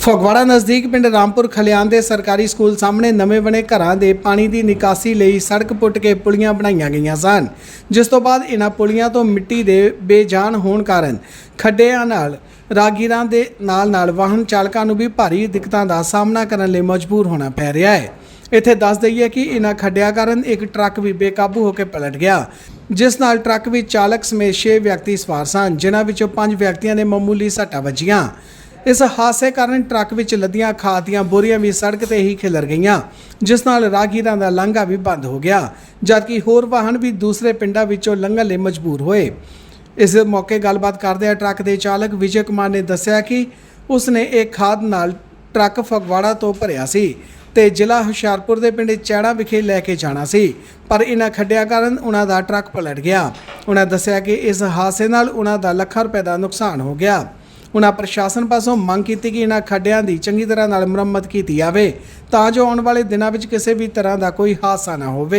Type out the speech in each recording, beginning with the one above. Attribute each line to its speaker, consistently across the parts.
Speaker 1: ਫਗਵਾੜਾ ਨਜ਼ਦੀਕ ਪਿੰਡ ਰਾਮਪੁਰ ਖਲਿਆਣ ਦੇ ਸਰਕਾਰੀ ਸਕੂਲ ਸਾਹਮਣੇ ਨਵੇਂ ਬਣੇ ਘਰਾਂ ਦੇ ਪਾਣੀ ਦੀ ਨਿਕਾਸੀ ਲਈ ਸੜਕ ਪੁੱਟ ਕੇ ਪੁਲੀਆਂ ਬਣਾਈਆਂ ਗਈਆਂ ਸਨ, ਜਿਸ ਤੋਂ ਬਾਅਦ ਇਹਨਾਂ ਪੁਲੀਆਂ ਤੋਂ ਮਿੱਟੀ ਦੇ ਬੇਜਾਨ ਹੋਣ ਕਾਰਨ ਖੱਡਿਆਂ ਨਾਲ ਰਾਹਗੀਰਾਂ ਦੇ ਨਾਲ ਵਾਹਨ ਚਾਲਕਾਂ ਨੂੰ ਵੀ ਭਾਰੀ ਦਿੱਕਤਾਂ ਦਾ ਸਾਹਮਣਾ ਕਰਨ ਲਈ ਮਜਬੂਰ ਹੋਣਾ ਪੈ ਰਿਹਾ ਹੈ। ਇੱਥੇ ਦੱਸ ਦਈਏ ਕਿ ਇਹਨਾਂ ਖੱਡਿਆਂ ਕਾਰਨ ਇੱਕ ਟਰੱਕ ਵੀ ਬੇਕਾਬੂ ਹੋ ਕੇ ਪਲਟ ਗਿਆ, ਜਿਸ ਨਾਲ ਟਰੱਕ ਵਿੱਚ ਚਾਲਕ ਸਮੇਤ 6 ਵਿਅਕਤੀ ਸਵਾਰ ਸਨ, ਜਿਨ੍ਹਾਂ ਵਿੱਚੋਂ 5 ਵਿਅਕਤੀਆਂ ਨੇ ਮਾਮੂਲੀ ਸੱਟਾਂ ਵੱਜੀਆਂ। इस हादसे कारण ट्रक विच लदियां खाद दीआं बोरियां भी सड़क ते ही खिलर गईयां, जिस नाल राहगीरां दा लांघा भी बंद हो गया, जबकि होर वाहन भी दूसरे पिंडां विचों लंघण लई मजबूर होए। इस मौके गलबात करदे ट्रक दे चालक विजय कुमार ने दस्सिया कि उसने एक खाद नाल ट्रक फगवाड़ा तो भरिया सी ते जिला हुशियारपुर दे पिंड चैड़ा विखे लैके जाना सी, पर इन्हां खड्डियां कारण उन्हां दा ट्रक पलट गया। उन्हां दस्सिया कि इस हादसे नाल उन्हां दा ਲੱਖਾਂ रुपए दा नुकसान हो गया। उन्हां प्रशासन पासों मंग की कि इन्हां खड्डियां दी चंगी तरह नाल मुरम्मत की जाए, तां जो आने वाले दिनों में किसी भी तरह का कोई हादसा ना होवे।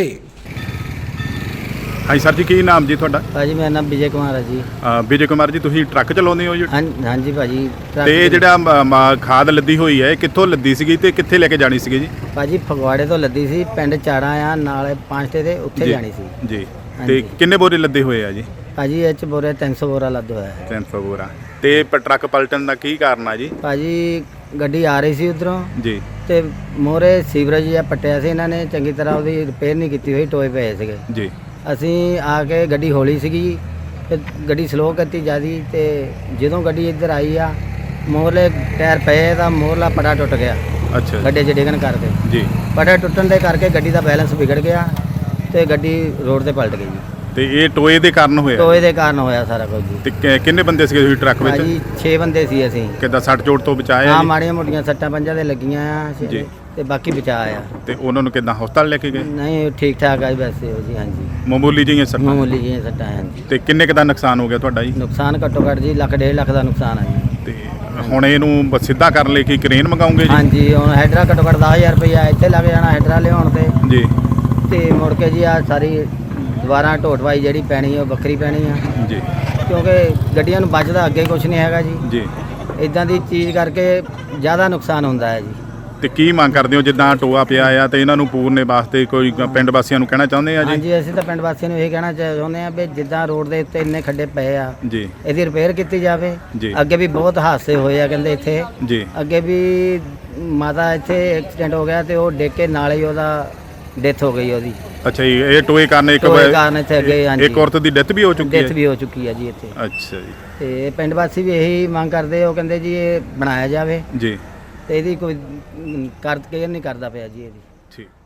Speaker 2: हाँ सर जी, की नाम जी तुहाडा?
Speaker 3: भाजी मेरा नाम विजय कुमार है जी।
Speaker 2: विजय कुमार जी, तुसीं ट्रक चलाउंदे हो जी?
Speaker 3: हाँ जी भाजी।
Speaker 2: ते जिहड़ा खाद लद्दी होई है कित्थों लद्दी सीगी ते कित्थे लेके जानी सीगी जी?
Speaker 3: भाजी फगवाड़े तो लद्दी सी, पिंड चाड़ा आ नाल पांचटे दे उत्थे जानी सी
Speaker 2: जी। ते किन्ने बोरे लद्दे होए आ जी?
Speaker 3: भाजी ये च बोरे 300 बोरा लद होया है।
Speaker 2: 300 बोरा। ते ट्रक पलटन दा की कारण आ जी?
Speaker 3: भाजी गड्डी आ रही सी उधरों
Speaker 2: जी
Speaker 3: ते मोरे सीवरेज या पट्टिया सी, इन्हां ने चंगी तरह ਉਹਦੀ ਰਿਪੇਅਰ ਨਹੀਂ ਕੀਤੀ ਹੋਈ, ਟੋਏ ਪਏ ਸੀਗੇ
Speaker 2: जी।
Speaker 3: ਅਸੀਂ ਆ ਕੇ ਗੱਡੀ ਹੌਲੀ ਸੀਗੀ ਤੇ ਗੱਡੀ ਸਲੋ ਕਰਤੀ ਜਿਆਦੀ, ਤੇ ਜਦੋਂ ਗੱਡੀ ਇੱਧਰ ਆਈ ਆ ਮੋਰਲੇ ਟਾਇਰ ਪਏ ਤਾਂ ਮੋਰਲਾ ਪੜਾ ਟੁੱਟ ਗਿਆ।
Speaker 2: अच्छा
Speaker 3: ਗੱਡੇ 'ਚ ਡਿੱਗਣ ਕਰਕੇ
Speaker 2: जी।
Speaker 3: ਪੜਾ ਟੁੱਟਣ ਦੇ ਕਰਕੇ ਗੱਡੀ ਦਾ ਬੈਲੈਂਸ ਵਿਗੜ ਗਿਆ ਤੇ ਗੱਡੀ ਰੋਡ ਤੇ ਪਲਟ ਗਈ ਜੀ।
Speaker 2: ਤੇ ਇਹ ਟੋਏ ਦੇ ਕਾਰਨ ਹੋਇਆ?
Speaker 3: ਟੋਏ ਦੇ ਕਾਰਨ ਹੋਇਆ ਸਾਰਾ ਕੁਝ ਜੀ।
Speaker 2: ਤੇ ਕਿੰਨੇ ਬੰਦੇ ਸੀਗੇ ਤੁਸੀਂ ਟਰੱਕ ਵਿੱਚ?
Speaker 3: ਭਾਜੀ 6 ਬੰਦੇ ਸੀ ਅਸੀਂ।
Speaker 2: ਕਿੱਦਾਂ ਸੱਟ ਚੋਟ ਤੋਂ ਬਚਾਇਆ
Speaker 3: ਹਾਂ
Speaker 2: ਜੀ?
Speaker 3: ਮਾੜੀਆਂ ਮੋਟੀਆਂ ਸੱਟਾਂ ਪੰਜਾਂ ਦੇ ਲੱਗੀਆਂ ਆ
Speaker 2: ਜੀ।
Speaker 3: ਤੇ ਬਾਕੀ ਬਚਾਇਆ।
Speaker 2: ਤੇ ਉਹਨਾਂ ਨੂੰ ਕਿੱਦਾਂ ਹਸਪਤਾਲ ਲੈ ਕੇ ਗਏ?
Speaker 3: ਨਹੀਂ ਠੀਕ ਠਾਕ ਆ ਜੀ ਵੈਸੇ ਉਹ ਜੀ। ਹਾਂਜੀ
Speaker 2: ਮਾਮੂਲੀ ਜਿਹੀਆਂ ਸੱਟਾਂ?
Speaker 3: ਮਾਮੂਲੀ ਜਿਹੀਆਂ ਸੱਟਾਂ ਆ ਜੀ।
Speaker 2: ਤੇ ਕਿੰਨੇ ਕੁ ਦਾ ਨੁਕਸਾਨ ਹੋ ਗਿਆ ਤੁਹਾਡਾ ਜੀ?
Speaker 3: ਨੁਕਸਾਨ ਘੱਟੋ ਘੱਟ ਜੀ ਲੱਖ 1.5 ਲੱਖ ਦਾ ਨੁਕਸਾਨ ਆ ਜੀ।
Speaker 2: ਤੇ ਹੁਣ ਇਹਨੂੰ ਸਿੱਧਾ ਕਰਨ ਲਈ ਕੀ ਕ੍ਰੇਨ ਮੰਗਾਉਂਗੇ ਜੀ?
Speaker 3: ਹਾਂਜੀ ਹੁਣ ਹੈਡਰਾ ਘੱਟੋ ਘੱਟ 10,000 ਰੁਪਇਆ ਇੱਥੇ ਲੱਗ ਜਾਣਾ ਹੈਡਰਾ ਲਿਆਉਣ ਤੇ
Speaker 2: ਜੀ।
Speaker 3: ਤੇ ਮੁੜ ਕੇ ਜੀ ਆ ਸਾਰੀ ਦੁਬਾਰਾ ਢੋਟਵਾਈ ਜਿਹੜੀ ਪੈਣੀ ਉਹ ਵੱਖਰੀ ਪੈਣੀ ਆ
Speaker 2: ਜੀ।
Speaker 3: ਕਿਉਂਕਿ ਗੱਡੀਆਂ ਨੂੰ ਬਚਦਾ ਅੱਗੇ ਕੁਝ ਨਹੀਂ ਹੈਗਾ ਜੀ।
Speaker 2: ਜੀ।
Speaker 3: ਇਦਾਂ ਦੀ ਚੀਜ਼ ਕਰਕੇ ਜ਼ਿਆਦਾ ਨੁਕਸਾਨ ਹੁੰਦਾ ਹੈ ਜੀ।
Speaker 2: ਤੇ ਕੀ ਮੰਗ ਕਰਦੇ ਹੋ ਜਿੱਦਾਂ ਟੋਆ ਪਿਆ ਆ ਤੇ ਇਹਨਾਂ ਨੂੰ ਪੂਰਨੇ ਵਾਸਤੇ ਕੋਈ ਪਿੰਡ ਵਾਸੀਆਂ ਨੂੰ ਕਹਿਣਾ ਚਾਹੁੰਦੇ ਆ ਜੀ?
Speaker 3: ਹਾਂਜੀ ਅਸੀਂ ਤਾਂ ਪਿੰਡ ਵਾਸੀਆਂ ਨੂੰ ਇਹ ਕਹਿਣਾ ਚਾਹੁੰਦੇ ਆ ਵੀ ਜਿੱਦਾਂ ਰੋਡ ਦੇ ਉੱਤੇ ਇੰਨੇ ਖੱਡੇ ਪਏ ਆ
Speaker 2: ਜੀ
Speaker 3: ਇਹਦੀ ਰਿਪੇਅਰ ਕੀਤੀ ਜਾਵੇ।
Speaker 2: ਜੀ।
Speaker 3: ਅੱਗੇ ਵੀ ਬਹੁਤ ਹਾਦਸੇ ਹੋਏ ਆ ਕਹਿੰਦੇ ਇੱਥੇ।
Speaker 2: ਜੀ।
Speaker 3: ਅੱਗੇ ਵੀ ਮਾਤਾ ਇੱਥੇ ਐਕਸੀਡੈਂਟ ਹੋ ਗਿਆ ਤੇ ਉਹ ਡਿੱਗ ਕੇ ਨਾਲ ਹੀ ਉਹਦਾ ਡੈਥ ਹੋ ਗਈ ਉਹਦੀ।
Speaker 2: ਅੱਛਾ ਜੀ, ਇਹ ਟੋਏ ਕਾਰਨ ਇੱਕ
Speaker 3: ਕਾਰਨ ਇੱਥੇ ਅੱਗੇ ਹਾਂਜੀ
Speaker 2: ਇੱਕ ਔਰਤ ਦੀ ਡੈਥ ਵੀ ਹੋ ਚੁੱਕੀ ਹੈ?
Speaker 3: ਡੈਥ ਵੀ ਹੋ ਚੁੱਕੀ ਹੈ ਜੀ ਇੱਥੇ।
Speaker 2: ਅੱਛਾ ਜੀ।
Speaker 3: ਤੇ ਪਿੰਡ ਵਾਸੀ ਵੀ ਇਹੀ ਮੰਗ ਕਰਦੇ, ਉਹ ਕਹਿੰਦੇ ਜੀ ਇਹ ਬਣਾਇਆ ਜਾਵੇ
Speaker 2: ਜੀ।
Speaker 3: ਤੇ ਇਹਦੀ ਕੋਈ ਕੇਅਰ ਨਹੀਂ ਕਰਦਾ ਪਿਆ ਜੀ ਇਹਦੀ।
Speaker 2: ਠੀਕ।